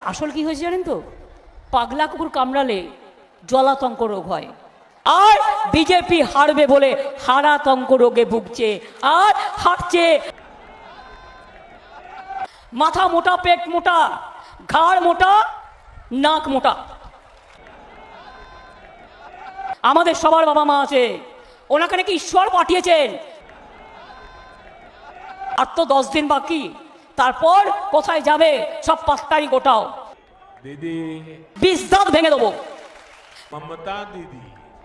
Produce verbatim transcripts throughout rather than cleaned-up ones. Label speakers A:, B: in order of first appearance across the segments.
A: আসল কি হয়েছে জানেন তো, পাগলা কুকুর কামড়ালে জলাতঙ্ক রোগ হয়, আর বিজেপি হারবে বলে হারাতঙ্ক রোগে ভুগছে আর হাঁটছে। মাথা মোটা, পেট মোটা, ঘাড় মোটা, নাক মোটা। আমাদের সবার বাবা মা আছে, ওনাকে নাকি ঈশ্বর পাঠিয়েছেন। আর তো দশ দিন বাকি, তারপর কোথায় যাবে সব পাঁচটারি গোটাও।
B: দিদি
A: বিষ দাঁত ভেঙে দেবো।
B: মমতা দিদি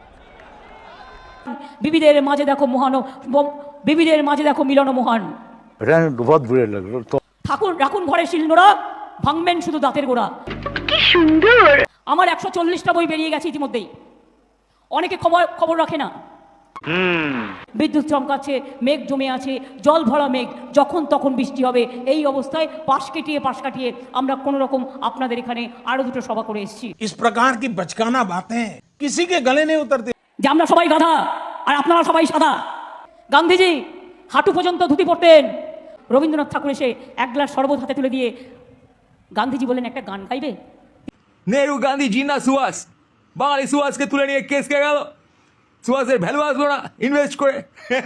A: বিবিদের মাঝে দেখো মহান, বিবিদের মাঝে দেখো মিলন মহান।
C: बहुत बुरे लग रहे तो
A: ঠাকুর রাখুন ঘরে শিলনোড়া, ভাঙবেন শুধু দাঁতের গোড়া।
D: কি সুন্দর।
A: আমার একশো চল্লিশটা বই বেরিয়ে গেছে ইতিমধ্যেই। অনেকে খবর খবর রাখে না। বিদ্যুৎ চমকাচ্ছে, মেঘ জমে আছে, জল ভরা মেঘ, যখন তখন বৃষ্টি হবে। এই অবস্থায় পাশ কেটিয়ে পাশ কাটিয়ে আমরা কোনো রকম আপনাদের এখানে আরো দুটো সভা করে এসেছি।
B: इस प्रकार की बचकाना बातें किसी के गले नहीं उतरती।
A: যে আমরা সবাই গাধা আর আপনারা সবাই সাদা। গান্ধীজি হাঁটু পর্যন্ত ধুতি পরতেন। রবীন্দ্রনাথ ঠাকুর এসে এক গ্লাস শরবত হাতে তুলে দিয়ে গান্ধীজি বললেন, একটা গান গাইবে?
E: নেহরু গান্ধী জিন্না সুভাষ, বাঙালি সুভাষকে তুলে নিয়ে কেস কে গেল, সুভাষের ভ্যালু আসলো না ইনভেস্ট করে।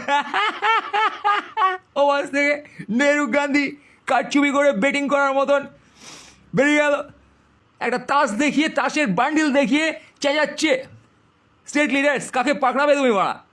E: ও মাস থেকে নেহরু গান্ধী কারচুপি করে বেটিং করার মতন বেরিয়ে গেল। একটা তাস দেখিয়ে, তাসের বান্ডিল দেখিয়ে চেঁচাচ্ছে, স্টেট লিডার্স কাকে পাকড়াবে তুমি বাড়া।